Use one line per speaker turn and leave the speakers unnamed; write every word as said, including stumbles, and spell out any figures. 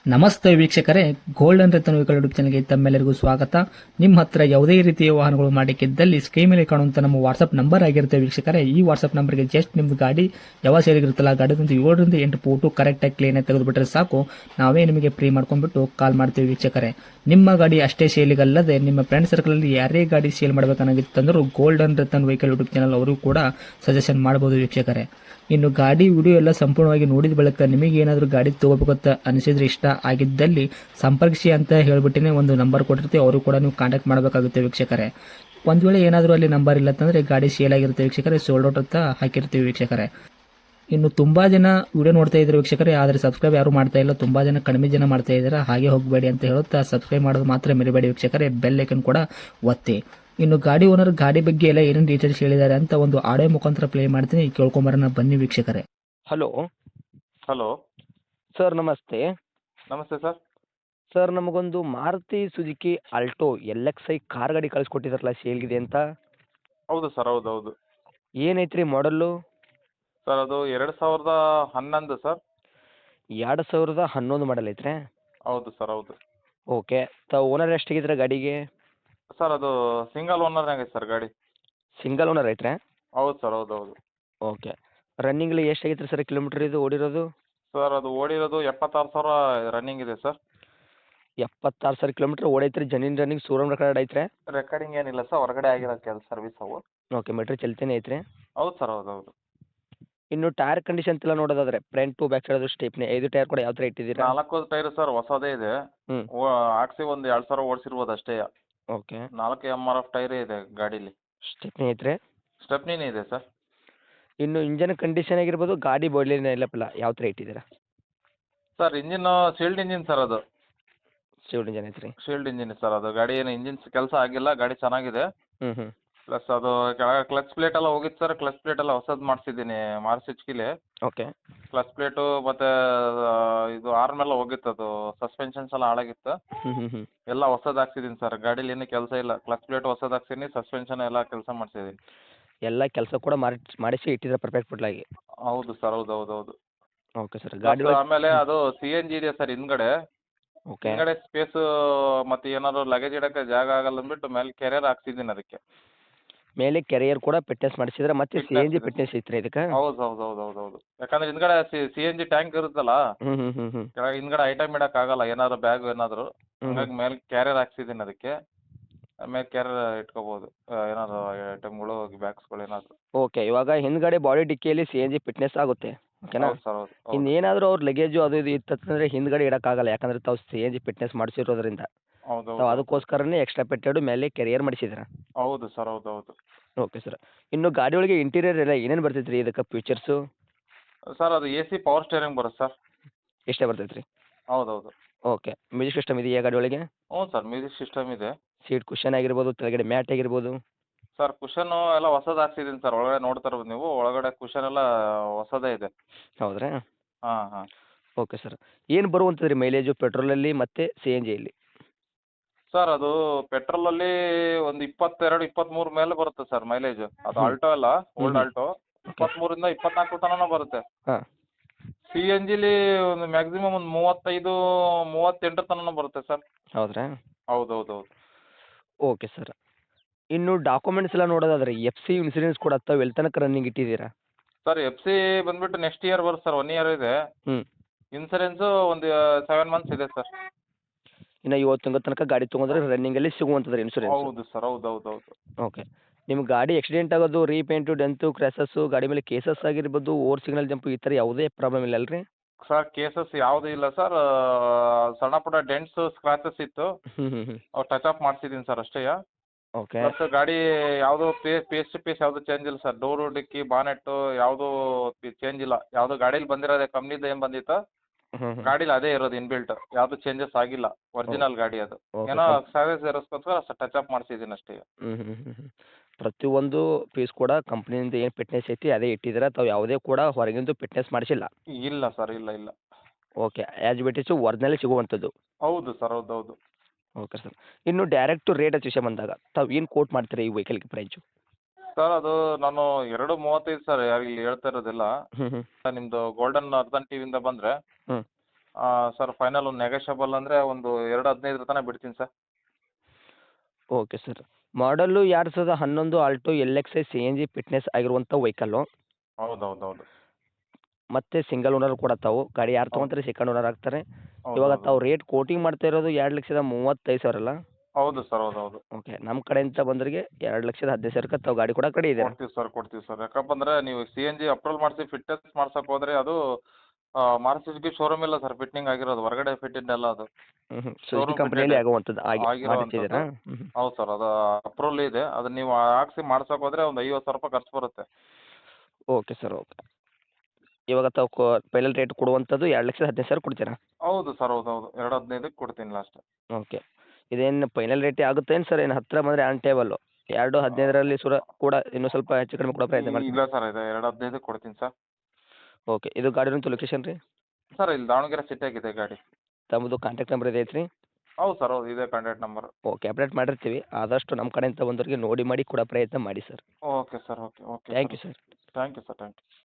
ನಮಸ್ತೆ ವೀಕ್ಷಕರೇ, golden Ratan vehicle YouTube ಚಾನಲ್ಗೆ ತಮ್ಮೆಲ್ಲರಿಗೂ ಸ್ವಾಗತ. ನಿಮ್ಮ ಹತ್ರ ಯಾವುದೇ ರೀತಿಯ ವಾಹನಗಳು ಮಾಡಿಕ್ಕಿದ್ದಲ್ಲಿ ಸ್ಕ್ರೀನ್ ಮೇಲೆ ಕಾಣುವಂತ ನಮ್ಮ ವಾಟ್ಸ್ಆಪ್ ನಂಬರ್ ಆಗಿರುತ್ತೆ ವೀಕ್ಷಕರೇ. ಈ ವಾಟ್ಸ್ಆಪ್ ನಂಬರ್ಗೆ ಜಸ್ಟ್ ನಿಮ್ದು ಗಾಡಿ ಯಾವ ಸೇರಿಗಿರುತ್ತಲ್ಲ ಗಾಡಿದಂತ ಏಳರಿಂದ ಎಂಟು ಫೋಟೋ ಕರೆಕ್ಟಾಗಿ ಕ್ಲೀನ್ ಆಗಿ ತೆಗೆದುಬಿಟ್ರೆ ಸಾಕು, ನಾವೇ ನಿಮಗೆ ಫ್ರೀ ಮಾಡ್ಕೊಂಡ್ಬಿಟ್ಟು ಕಾಲ್ ಮಾಡ್ತೀವಿ ವೀಕ್ಷಕರೇ. ನಿಮ್ಮ ಗಾಡಿ ಅಷ್ಟೇ ಸೇಲಿಗಲ್ಲದೆ ನಿಮ್ಮ ಫ್ರೆಂಡ್ ಸರ್ಕಲ್ ಅಲ್ಲಿ ಯಾರೇ ಗಾಡಿ ಸೇಲ್ ಮಾಡಬೇಕನ್ನಾಗಿತ್ತಂದ್ರೂ golden Ratan vehicle YouTube channel ಅವರು ಕೂಡ ಸಜೆಷನ್ ಮಾಡಬಹುದು ವೀಕ್ಷಕರೇ. ಇನ್ನು ಗಾಡಿ ವಿಡಿಯೋ ಎಲ್ಲ ಸಂಪೂರ್ಣವಾಗಿ ನೋಡಿದ ಬಳಿಕ ನಿಮಗೆ ಏನಾದರೂ ಗಾಡಿ ತಗೋಬೇಕಂತ ಅನಿಸಿದ್ರೆ, ಇಷ್ಟ ಆಗಿದ್ದಲ್ಲಿ ಸಂಪರ್ಕಿಸಿ ಅಂತ ಹೇಳ್ಬಿಟ್ಟಿನೇ ಒಂದು ನಂಬರ್ ಕೊಟ್ಟಿರ್ತೀವಿ, ಅವರು ಕೂಡ ನೀವು ಕಾಂಟ್ಯಾಕ್ಟ್ ಮಾಡಬೇಕಾಗುತ್ತೆ ವೀಕ್ಷಕರೇ. ಒಂದು ವೇಳೆ ಏನಾದರೂ ಅಲ್ಲಿ ನಂಬರ್ ಇಲ್ಲ ಅಂತಂದರೆ ಗಾಡಿ ಸೇಲ್ ಆಗಿರುತ್ತೆ ವೀಕ್ಷಕರೇ, ಸೋಲ್ಡ್ ಔಟ್ ಅಂತ ಹಾಕಿರ್ತೀವಿ ವೀಕ್ಷಕರೇ. ಇನ್ನು ತುಂಬ ಜನ ವಿಡಿಯೋ ನೋಡ್ತಾ ಇದ್ದಾರೆ ವೀಕ್ಷಕರೇ, ಆದರೆ ಸಬ್ಸ್ಕ್ರೈಬ್ ಯಾರು ಮಾಡ್ತಾ ಇಲ್ಲ, ತುಂಬ ಜನ ಕಡಿಮೆ ಜನ ಮಾಡ್ತಾ ಇದ್ದಾರೆ. ಹಾಗೆ ಹೋಗಬೇಡಿ ಅಂತ ಹೇಳುತ್ತಾ ಸಬ್ಸ್ಕ್ರೈಬ್ ಮಾಡೋದು ಮಾತ್ರ ಮರಿಬೇಡಿ ವೀಕ್ಷಕರೇ, ಬೆಲ್ ಐಕನ್ ಕೂಡ ಒತ್ತಿ. ಇನ್ನು ಗಾಡಿ ಓನರ್ ಗಾಡಿ ಬಗ್ಗೆ ಎಲ್ಲ ಏನೇನು ಡೀಟೇಲ್ಸ್ ಹೇಳಿದ್ದಾರೆ ಅಂತ ಒಂದು ಆಡಿಯೋ ಮುಖಾಂತರ ಪ್ಲೇ ಮಾಡ್ತೀನಿ, ಕೇಳ್ಕೊಂಬರೋಣ ಬನ್ನಿ ವೀಕ್ಷಕರೇ.
ಹಲೋ
ಹಲೋ
ಸರ್, ನಮಸ್ತೆ.
ನಮಸ್ತೆ ಸರ್.
ಸರ್, ನಮಗೊಂದು Maruti Suzuki Alto L X I car ಗಾಡಿ ಕಳಿಸ್ಕೊಟ್ಟಿದ್ರಲ್ಲ, ಸೇಲ್ಗಿದೆ ಅಂತ.
ಹೌದು ಸರ್, ಹೌದು ಹೌದು
ಏನೈತ್ರಿ ಮಾಡಲ್ಲು?
ಸರ್ ಅದು ಎರಡು ಸಾವಿರದ ಹನ್ನೊಂದು ಸರ್.
ಎರಡು ಸಾವಿರದ ಹನ್ನೊಂದು ಮಾಡಲ್ ಐತ್ರಿ?
ಹೌದು ಸರ್, ಹೌದು.
ಓಕೆ. ತ ಓನರ್ ಎಷ್ಟಾಗಿದ್ರೆ ಗಾಡಿಗೆ?
ಸರ್ ಅದು ಸಿಂಗಲ್ ಓನರ್ ಆಗೈತೆ ಸರ್ ಗಾಡಿ.
ಸಿಂಗಲ್ ಓನರ್ ಐತ್ರಿ?
ಹೌದು ಸರ್, ಹೌದು ಹೌದು.
ಓಕೆ. ರನ್ನಿಂಗ್ಲಿ ಎಷ್ಟಾಗೈತ್ರಿ ಸರ್ ಕಿಲೋಮೀಟ್ರ್ ಇದು ಓಡಿರೋದು?
ಸರ್ ಅದು ಓಡಿರೋದು ಎಪ್ಪತ್ತಾರು ಸಾವಿರ ರನ್ನಿಂಗ್ ಇದೆ ಸರ್.
ಎಪ್ಪತ್ತಾರು ಸಾವಿರ ಕಿಲೋಮೀಟ್ರ್ ಓಡೈತ್ರಿ. ಜನಿನ್ ರನ್ನಿಂಗ್ ಶೋರೂಮ್ ರೆಕಾರ್ಡ್ ಐತ್ರಿ?
ರೆಕಾರ್ಡಿಂಗ್ ಏನಿಲ್ಲ ಸರ್, ಹೊರಗಡೆ ಆಗಿರೋ ಕೆಲಸ ಸರ್ವಿಸ್ ಅವು.
ಓಕೆ. ಮೀಟ್ರ್ ಚಲ್ತೇನೆ ಐತ್ರಿ?
ಹೌದು ಸರ್, ಹೌದು ಹೌದು.
ಇನ್ನು ಟೈರ್ ಕಂಡೀಷನ್ ಎಲ್ಲ ನೋಡೋದಾದ್ರೆ front to back side stepney ಐದು ಟೈರ್ ಕೂಡ ಯಾವ ಥರ ಇಟ್ಟಿದ್ದೀರಾ?
ನಾಲ್ಕು ಟೈರ್ ಸರ್ ಹೊಸದೇ ಇದೆ.
ಹ್ಞೂ.
ಹಾಕ್ಸಿ ಒಂದು ಎರಡು ಸಾವಿರ ಓಡಿಸಿರ್ಬೋದು ಅಷ್ಟೇ.
ಓಕೆ.
ನಾಲ್ಕು ಎಮ್ ಆರ್ ಎಫ್ ಟೈರೇ ಇದೆ ಗಾಡೀಲಿ.
ಸ್ಟೆಪ್ನಿ ಐತ್ರಿ?
ಸ್ಟೆಪ್ನಿನೇ ಇದೆ ಸರ್.
ಇನ್ನು ಇಂಜನ್ ಕಂಡೀಷನ್ ಆಗಿರ್ಬೋದು, ಗಾಡಿ ಬಾಡಿಲಿನ ಎಲ್ಲಪ್ಪಲ್ಲ ಯಾವ ಥರ ಇಟ್ಟಿದ್ದೀರಾ?
Sir engine shield engine sir ಅದು.
ಶಿವ್ಡ್ ಇಂಜನ್ ಐತ್ರಿ?
ಶೀಲ್ಡ್ ಇಂಜಿನ್ ಸರ್ ಅದು. ಗಾಡಿ ಏನು ಇಂಜಿನ್ ಕೆಲಸ ಆಗಿಲ್ಲ, ಗಾಡಿ ಚೆನ್ನಾಗಿದೆ.
ಹ್ಞೂ ಹ್ಞೂ.
ಪ್ಲಸ್ ಅದು ಕೆಳಗೆ ಕ್ಲಚ್ ಪ್ಲೇಟ್ ಎಲ್ಲ ಹೋಗಿತ್ತು ಸರ್, ಕ್ಲಚ್ ಪ್ಲೇಟ್ ಎಲ್ಲ ಹೊಸದು ಮಾಡಿಸಿದ್ದೀನಿ ಮಾರುತಿ ಸುಜುಕಿಲಿ.
ಓಕೆ.
ಕ್ಲಚ್ ಪ್ಲೇಟು ಮತ್ತು ಇದು ಆರ್ಮ್ ಎಲ್ಲ ಹೋಗಿತ್ತು, ಅದು ಸಸ್ಪೆನ್ಷನ್ಸ್ ಎಲ್ಲ ಹಾಳಾಗಿತ್ತು.
ಹ್ಞೂ ಹ್ಞೂ ಹ್ಞೂ.
ಎಲ್ಲ ಹೊಸದು ಹಾಕ್ಸಿದ್ದೀನಿ ಸರ್. ಗಾಡೀಲಿ ಏನೂ ಕೆಲಸ ಇಲ್ಲ. ಕ್ಲಚ್ ಪ್ಲೇಟ್ ಹೊಸದು ಹಾಕ್ಸಿದ್ದೀನಿ, ಸಸ್ಪೆನ್ಷನ್ ಎಲ್ಲ ಕೆಲಸ ಮಾಡಿಸಿದ್ದೀನಿ.
ಎಲ್ಲ ಕೆಲಸ ಕೂಡ ಮಾಡಿ ಮಾಡಿಸಿ ಇಟ್ಟಿದ್ರೆ ಪರ್ಫೆಕ್ಟ್ ಫುಡ್ಲಾಗಿ?
ಹೌದು ಸರ್, ಹೌದು ಹೌದು ಹೌದು.
Okay sir. ಗಾಡಿ
ಪ್ಲಸ್ ಆಮೇಲೆ ಅದು ಸಿ ಎನ್ ಜಿ ಇದೆ ಸರ್ ಹಿಂದ್ಗಡೆ.
ಓಕೆ.
ಹಿಂದ್ಗಡೆ ಸ್ಪೇಸು ಮತ್ತು ಏನಾದ್ರು ಲಗೇಜ್ ಇಡೋಕ್ಕೆ ಜಾಗ ಆಗಲ್ಲ ಅಂದ್ಬಿಟ್ಟು ಮೇಲೆ ಕೆರಿಯರ್ ಹಾಕ್ಸಿದ್ದೀನಿ ಅದಕ್ಕೆ.
ಮೇಲೆ ಕೆರಿಯರ್ ಕೂಡ ಫಿಟ್ನೆಸ್ ಮಾಡಿಸಿದ್ರೆ, ಮತ್ತೆ C N G
Fitness
fitness ಐತ್ರಿ ಇದಕ್ಕೆ?
ಹೌದು ಹೌದು ಹೌದು ಹೌದು ಹೌದು. ಯಾಕಂದ್ರೆ ಹಿಂದ್ಗಡೆ C C N G tank ಇರುತ್ತಲ್ಲ,
ಹ್ಞೂ ಹ್ಞೂ ಹ್ಞೂ ಹ್ಞೂ.
ಕೆಳಗೆ ಹಿಂದ್ಗಡೆ ಐಟಮ್ ಇಡೋಕ್ಕಾಗಲ್ಲ, ಏನಾದ್ರು ಬ್ಯಾಗ್ ಏನಾದರೂ.
ಹ್ಞೂ
ಹಂಗಾಗಿ ಮೇಲೆ ಕ್ಯಾರಿಯರ್ ಹಾಕ್ಸಿದ್ದೀನಿ ಅದಕ್ಕೆ. ಆಮೇಲೆ ಕ್ಯಾರಿಯರ್ ಇಟ್ಕೋಬೋದು, ಏನಾದ್ರು ಐಟಮ್ಗಳು ಬ್ಯಾಗ್ಸ್ಗಳು ಏನಾದರೂ.
ಓಕೆ. ಇವಾಗ ಹಿಂದ್ಗಡೆ ಬಾಡಿ ಡಿಕ್ಕಿಯಲ್ಲಿ ಸಿ ಎನ್ ಜಿ ಫಿಟ್ನೆಸ್ ಆಗುತ್ತೆ, ಓಕೆನಾ?
ಹೌದು ಸರ್, ಹೌದು ಹೌದು.
ಇನ್ನೇನಾದರೂ ಅವ್ರ ಲಗೇಜು ಅದು ಇದು ಇತ್ತಂದ್ರೆ ಹಿಂದ್ಗಡೆ ಇಡೋಕ್ಕಾಗಲ್ಲ, ಯಾಕಂದ್ರೆ ತಾವು ಸಿ ಎನ್ ಜಿ ಫಿಟ್ನೆಸ್ ಮಾಡಿಸಿರೋದ್ರಿಂದ.
ಹೌದು
ತಾವು
ಹೌದು
ಅದಕ್ಕೋಸ್ಕರನೇ ಎಕ್ಸ್ಟ್ರಾ ಪೆಟ್ಟೆಡು ಮೇಲೆ ಕೆರಿಯರ್ ಮಾಡಿಸಿದ್ದೀರಾ?
ಹೌದು ಸರ್, ಹೌದು ಹೌದು.
Okay sir. ಇನ್ನು ಗಾಡಿ ಒಳಗೆ ಇಂಟೀರಿಯರ್ ಎಲ್ಲ ಏನೇನು ಬರ್ತೈತೆ ರೀ ಇದಕ್ಕೆ ಫೀಚರ್ಸು?
ಸರ್ ಅದು ಎ ಸಿ ಪವರ್ ಸ್ಟೇರಿಂಗ್ ಬರುತ್ತೆ ಸರ್.
ಎಷ್ಟೇ ಬರ್ತೈತೆ ರೀ?
ಹೌದು ಹೌದು.
ಓಕೆ. ಮ್ಯೂಸಿಕ್ ಸಿಸ್ಟಮ್ ಇದೆಯಾ ಗಾಡಿ ಒಳಗೆ?
ಹ್ಞೂ ಸರ್, ಮ್ಯೂಸಿಕ್ ಸಿಸ್ಟಮ್ ಇದೆ.
ಸೀಟ್ ಕುಷನ್ ಆಗಿರ್ಬೋದು, ಕೆಳಗಡೆ ಮ್ಯಾಟ್ ಆಗಿರ್ಬೋದು?
ಸರ್ ಕುಷನ್ನು ಎಲ್ಲ ಹೊಸದು ಹಾಕ್ಸಿದ್ದೀನಿ ಸರ್. ಒಳಗಡೆ ನೋಡ್ತಾ ಇರ್ಬೋದು ನೀವು, ಒಳಗಡೆ ಕುಷನ್ ಎಲ್ಲ ಹೊಸದೇ ಇದೆ.
ಹೌದ್ರಾ?
ಹಾಂ ಹಾಂ.
Okay sir. ಏನು ಬರುವಂಥದ್ದು ರೀ ಮೈಲೇಜು ಪೆಟ್ರೋಲಲ್ಲಿ ಮತ್ತು ಸಿ ಎನ್ ಜಿಯಲ್ಲಿ?
ಸರ್ ಅದು ಪೆಟ್ರೋಲಲ್ಲಿ ಒಂದು ಇಪ್ಪತ್ತೆರಡು ಇಪ್ಪತ್ತ್ಮೂರು ಮೇಲೆ ಬರುತ್ತೆ ಸರ್ ಮೈಲೇಜು. ಅದು
ಹ್ಞೂ.
ಆಲ್ಟೋ ಅಲ್ಲ, ಓಲ್ಡ್
ಹ್ಞೂ.
ಆಲ್ಟೋ. ಇಪ್ಪತ್ತ್ಮೂರರಿಂದ ಇಪ್ಪತ್ನಾಲ್ಕು ತನಕ ಬರುತ್ತೆ.
ಹಾಂ.
ಸಿ ಎನ್ ಜಿಲಿ ಒಂದು ಮ್ಯಾಕ್ಸಿಮಮ್ ಒಂದು ಮೂವತ್ತೈದು ಮೂವತ್ತೆಂಟು ತನಕ ಬರುತ್ತೆ ಸರ್.
ಹೌದ್ರಾ?
ಹೌದು ಹೌದು ಹೌದು.
Okay sir. ಇನ್ನು ಡಾಕ್ಯುಮೆಂಟ್ಸ್ ಎಲ್ಲ ನೋಡೋದಾದ್ರೆ ಎಫ್ ಸಿ ಇನ್ಸೂರೆನ್ಸ್ ಕೂಡ ತಾವು ಎಲ್ಲಿ ತನಕ ರನ್ನಿಂಗ್ ಇಟ್ಟಿದ್ದೀರಾ?
ಸರ್ ಎಫ್ ಸಿ ಬಂದುಬಿಟ್ಟು ನೆಕ್ಸ್ಟ್ ಇಯರ್ ಬರುತ್ತೆ ಸರ್, ಒನ್ ಇಯರ್ ಇದೆ.
ಹ್ಞೂ.
ಇನ್ಸೂರೆನ್ಸು ಒಂದು ಸೆವೆನ್ ಮಂತ್ಸ್ ಇದೆ ಸರ್.
ಇನ್ನು ಇವತ್ತು ತಿಂಗಳ ತನಕ ಗಾಡಿ ತೊಗೊಂಡ್ರೆ ರನ್ನಿಂಗಲ್ಲಿ ಸಿಗುವಂಥದ್ದು ಇನ್ಸೂರೆನ್ಸ್?
ಹೌದು ಸರ್, ಹೌದು ಹೌದು ಹೌದು.
ಓಕೆ. ನಿಮ್ಮ ಗಾಡಿ ಆಕ್ಸಿಡೆಂಟ್ ಆಗೋದು, ರೀಪೇಂಟು, ಡೆಂತು, ಕ್ರ್ಯಾಸಸ್ಸು, ಗಾಡಿ ಮೇಲೆ ಕೇಸಸ್ ಆಗಿರ್ಬೋದು, ಓವರ್ ಸಿಗ್ನಲ್ ಜಂಪು, ಈ ಥರ ಯಾವುದೇ ಪ್ರಾಬ್ಲಮ್ ಇಲ್ಲ ಅಲ್ರಿ?
ಸರ್ ಕೇಸಸ್ ಯಾವುದೂ ಇಲ್ಲ ಸರ್. ಸಣ್ಣ ಪುಟ್ಟ ಡೆಂಟ್ಸು ಸ್ಕ್ರಾಚಸ್ ಇತ್ತು,
ಹ್ಞೂ ಹ್ಞೂ ಹ್ಞೂ.
ಅವು ಟಚ್ ಅಪ್ ಮಾಡಿಸಿದ್ದೀನಿ ಸರ್ ಅಷ್ಟೇ.
ಓಕೆ.
ಪ್ಲಸ್ ಗಾಡಿ ಯಾವುದೂ ಪೇ ಪೀಸ್ ಟು ಪೀಸ್ ಯಾವುದೂ ಚೇಂಜ್ ಇಲ್ಲ ಸರ್. ಡೋರು, ಡಿಕ್ಕಿ, ಬಾನೆಟ್ಟು ಯಾವುದೂ ಚೇಂಜ್ ಇಲ್ಲ. ಯಾವುದು ಗಾಡೀಲಿ ಬಂದಿರೋದೇ ಕಂಪ್ನಿದು ಏನು ಬಂದಿತ್ತು
ಹ್ಞೂ ಹ್ಞೂ.
ಗಾಡೀಲಿ ಅದೇ ಇರೋದು ಇನ್ಬಿಲ್ಟ್, ಯಾವುದು ಚೇಂಜಸ್ ಆಗಿಲ್ಲ. ಒರಿಜಿನಲ್ ಗಾಡಿ ಅದು.
ಓಕೆ.
ಏನೋ
ಕಂ
ಸರ್ವಿಸ್ ಇರೋಸ್ಕೋಸ್ಕರ ಟಚ್ ಅಪ್ ಮಾಡಿಸಿದ್ದೀನಿ ಅಷ್ಟೇ.
ಹ್ಞೂ ಹ್ಞೂ ಹ್ಞೂ ಹ್ಞೂ. ಪ್ರತಿಯೊಂದು ಪೀಸ್ ಕೂಡ ಕಂಪ್ನಿಯಿಂದ ಏನು ಫಿಟ್ನೆಸ್ ಐತಿ ಅದೇ ಇಟ್ಟಿದ್ದೀರಾ, ತಾವು ಯಾವುದೇ ಕೂಡ ಹೊರಗಿಂದು ಫಿಟ್ನೆಸ್ ಮಾಡಿಸಿಲ್ಲ?
ಇಲ್ಲ ಸರ್, ಇಲ್ಲ ಇಲ್ಲ.
ಓಕೆ. ಆ್ಯಸ್ ಇಟ್ ಈಸು ಒರಿಜಿನಲ್ಲೇ ಸಿಗುವಂಥದ್ದು?
ಹೌದು ಸರ್, ಹೌದು ಹೌದು.
Okay sir. ಇನ್ನು ಡೈರೆಕ್ಟು ರೇಟ್ ವಿಷಯ ಬಂದಾಗ ತಾವು ಏನು ಕೋಟ್ ಮಾಡ್ತೀರಾ ಈ ವೆಹಿಕಲ್ಗೆ ಪ್ರೈಸು?
ಸರ್ ಅದು ನಾನು ಎರಡು ಮೂವತ್ತೈದು ಸರ್ ಇಲ್ಲಿ ಹೇಳ್ತಾ ಇರೋದಿಲ್ಲ.
ಹ್ಞೂ ಹ್ಞೂ.
ನಿಮ್ಮದು ಗೋಲ್ಡನ್ ಅರ್ಧನ್ ಟಿವಿಯಿಂದ ಬಂದರೆ
ಹ್ಞೂ.
ಸರ್ ಫೈನಲ್ ಒಂದು ನೆಗೋಷಿಯಬಲ್ ಅಂದರೆ ಒಂದು ಎರಡು ಹದಿನೈದರ ತನಕ ಬಿಡ್ತೀನಿ ಸರ್.
Okay sir. ಮಾಡಲ್ಲು ಎರಡು ಸಾವಿರದ ಹನ್ನೊಂದು Alto L X I C N G fitness ಆಗಿರುವಂಥ ವೆಹಿಕಲ್ಲು.
ಹೌದು ಹೌದು ಹೌದು
ಮತ್ತು ಸಿಂಗಲ್ ಓನರ್ ಕೂಡ ತಾವು ಗಾಡಿ ಯಾರು
ಹೌದು.
ತೊಗೊಂತಾರೆ ಸೆಕೆಂಡ್ ಓನರ್ ಆಗ್ತಾರೆ.
ಹೌದು
ಇವಾಗ
ಹೌದು
ತಾವು ರೇಟ್ ಕೋಟಿಂಗ್ ಮಾಡ್ತಾ ಇರೋದು ಎರಡು ಲಕ್ಷದ ಮೂವತ್ತೈದು ಸಾವಿರ ಅಲ್ಲ?
ಹೌದು ಸರ್ ಹೌದು ಹೌದು
ಓಕೆ, ನಮ್ಮ ಕಡೆಯಿಂದ ಬಂದವರಿಗೆ ಎರಡು ಲಕ್ಷದ ಹದಿನೈದು ಸಾವಿರಕ್ಕೆ ತಾವು ಗಾಡಿ ಕೂಡ ಕಡೆ ಇದೆ.
ಕೊಡ್ತೀವಿ ಸರ್ ಕೊಡ್ತೀವಿ ಸರ್. ಯಾಕಂದ್ರೆ ನೀವು ಸಿ ಎನ್ ಜಿ ಅಪ್ರೂವಲ್ ಮಾಡಿಸಿ ಫಿಟ್ನೆಸ್ ಮಾಡ್ಸಕ್ಕೆ ಹೋದರೆ ಅದು ಮಾರುತಿ ಶೋರೂಮ್ ಇಲ್ಲ ಸರ್ ಫಿಟ್ಟಿಂಗ್ ಆಗಿರೋದು, ಹೊರಗಡೆ ಫಿಟ್ಟಿಂಗ್ ಎಲ್ಲ ಅದು.
ಹ್ಞೂ ಹ್ಞೂ ಸುಜುಕಿ
Showroom
ಕಂಪ್ನಿಯಲ್ಲಿ
fitted
ಆಗುವಂಥದ್ದು ಆಗಿ
ಆಗಿರೋವಂಥದ್ದು.
ಮಾಡಿಸಿದ್ದೀರಾ? ಹ್ಞೂ ಹ್ಞೂ
ಹೌದು ಸರ್ ಅದು ಅಪ್ರೂವಲ್ ಇದೆ, ಅದು ನೀವು ಹಾಕ್ಸಿ ಮಾಡ್ಸಕ್ಕೆ ಹೋದರೆ ಒಂದು ಐವತ್ತು ಸಾವಿರ ರೂಪಾಯಿ ಖರ್ಚು ಬರುತ್ತೆ.
Okay sir okay. ಇವಾಗ ತಾವು ಕೊ ಫೈನಲ್ ರೇಟ್ ಕೊಡುವಂಥದ್ದು ಎರಡು ಲಕ್ಷದ ಹದಿನೈದು ಸಾವಿರ ಕೊಡ್ತೀರಾ?
ಹೌದು ಸರ್ ಹೌದು ಹೌದು ಎರಡು ಹದಿನೈದಕ್ಕೆ ಕೊಡ್ತೀನಿ ಲಾಸ್ಟ್.
ಓಕೆ. ಇದೇನು ಫೈನಲ್ ರೇಟೇ ಆಗುತ್ತೇನು ಸರ್? ಏನು ಹತ್ತಿರ ಬಂದರೆ ಆನ್ ಟೇಬಲ್ಲು ಎರಡು ಹದಿನೈದರಲ್ಲಿ ಸುರ ಕೂಡ ಇನ್ನೂ ಸ್ವಲ್ಪ ಹೆಚ್ಚು ಕಡಿಮೆ ಕೊಡೋ ಪ್ರಯತ್ನ ಮಾಡ್ತೀನಿ.
ಇಲ್ಲ ಸರ್ ಇದೆ ಎರಡು ಹದಿನೈದಕ್ಕೆ ಕೊಡ್ತೀನಿ ಸರ್.
ಓಕೆ. ಇದು ಗಾಡಿನಂತೂ ಲೊಕೇಶನ್ ರೀ?
ಸರ್ ಇಲ್ಲಿ ದಾವಣಗೆರೆ ಸಿಟಿಯಾಗಿದೆ ಗಾಡಿ.
ತಮ್ಮದು ಕಾಂಟ್ಯಾಕ್ಟ್ ನಂಬರ್ ಇದೆ ಐತ್ರಿ?
ಹೌದು ಸರ್ ಹೌದು ಇದೇ ಕಾಂಟ್ಯಾಕ್ಟ್ ನಂಬರ್.
ಓಕೆ, ಅಪ್ಡೇಟ್ ಮಾಡಿರ್ತೀವಿ. ಆದಷ್ಟು ನಮ್ಮ ಕಡೆಯಿಂದ ಬಂದವರಿಗೆ ನೋಡಿ ಮಾಡಿ ಕೊಡೋ ಪ್ರಯತ್ನ ಮಾಡಿ sir.
Okay sir okay okay
thank you sir.
Thank you sir thank you.